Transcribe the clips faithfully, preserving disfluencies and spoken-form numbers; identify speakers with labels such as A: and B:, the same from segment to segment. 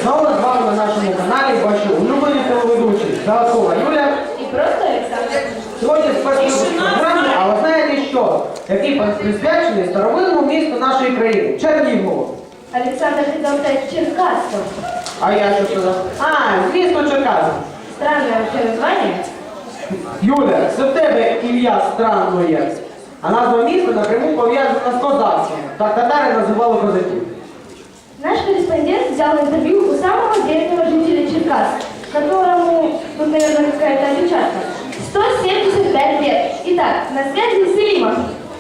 A: Знову з вами на нашому каналі ваші улюблені телеведучі Золотова Юля
B: І просто Олександр.
A: Сьогодні спортивний програми, а ви знаєте що? Який присвячений старовинному місту нашої країни – Чернігову.
B: Олександр хотел стать Черкасом.
A: А я що сказав? А, звісно, Черкас.
B: Странное вообще название.
A: Юля, це в тебе ім'я странне. А назва міста напряму пов'язана з козацтвом. Так татари називали козаків.
B: Наш корреспондент взял интервью у самого древнего жителя Черкас, которому, тут, наверное, какая-то опечатка, сто семьдесят пять лет. Итак, на связи Селима.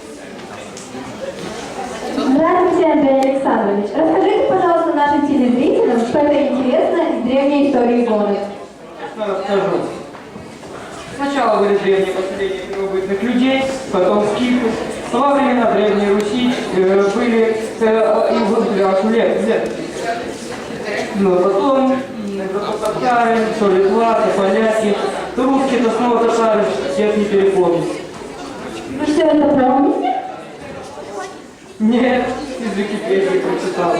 B: Здравствуйте, Андрей Александрович. Расскажите, пожалуйста, нашим телезрителям что-то интересное из древней истории города.
A: Я расскажу. Сначала были древние поселения первобытных людей, потом скифы. Во времена Древней Руси э, были э, и вот лет, лет. Но потом э, татары, то литва, то поляки, то русские, то снова татары, всех не перепомнить.
B: Вы все это помните?
A: Нет, из Википедии прочитал.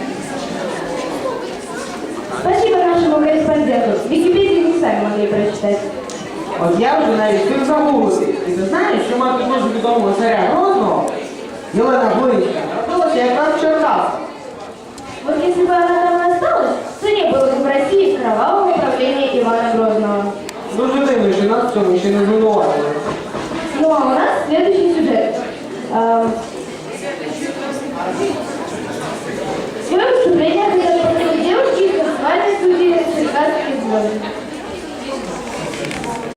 B: Спасибо нашему корреспонденту. Википедию не сами могли прочитать.
A: От я вже навіть встиг загуглити. І ти знаєш, що мати дуже відомого царя Грозного, Єлена Глинська, родилася якраз в Черкасах.
B: Вот если бы она там и осталась, то не было бы в России кровавого правления Ивана Грозного.
A: Дуже дивно, що нас в цьому ще не звинуватили.
B: Ну а у нас следующий сюжет. А, Свое выступление хотят посмотреть девушки из танцевальной студии «Черкасские звезды».